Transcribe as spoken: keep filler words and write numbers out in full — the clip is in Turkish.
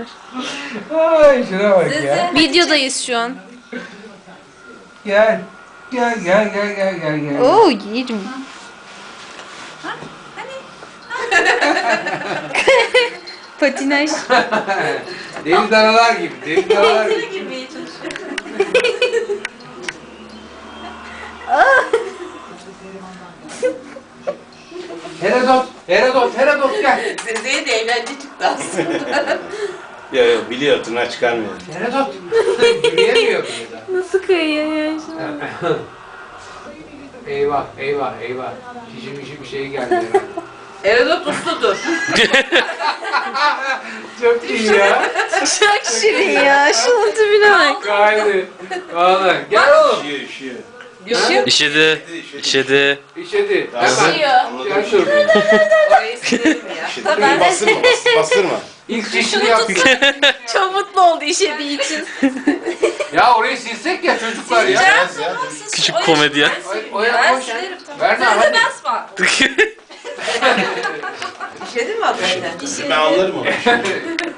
Ay şuna bak ya. Videodayız şu an. Gel. Gel gel gel gel gel gel. Oo yerim. Patinaj. Deli danalar gibi. Deli danalar gibi. girmeye çalışıyor. Herodot. Herodot. Herodot gel. Zeze'ye de eğlence çıktı aslında. Yok yok biliyor tırnağı çıkarmıyor. Herodot. Yürüyemiyor bile daha. Nasıl kayıyor ya şu an? Eyvah eyvah eyvah. Şişi mişi bir şey geldi herhalde. Erodot usludur. Çok iyi ya. Çok şirin ya. Şunun tipine bak. Kaydı. Valla. Gel oğlum. Üşüyor üşüyor. Düşüyor. İşedi. İşedi. İşedi. Tamam. Hemen. Anladım. Gel dur. Orayı silerim ya. İşte bastırma bas, bastırma. İlk çeşini yaptık. Çok mutlu oldu işediği için. Ya orayı silsek ya çocuklar ya. Yaz ya. Küçük komedyen. O, o ya Ben koş. silerim tamam. Berna Sen de hadi. basma. İşledin mi hakikaten? Ben anlarım onu.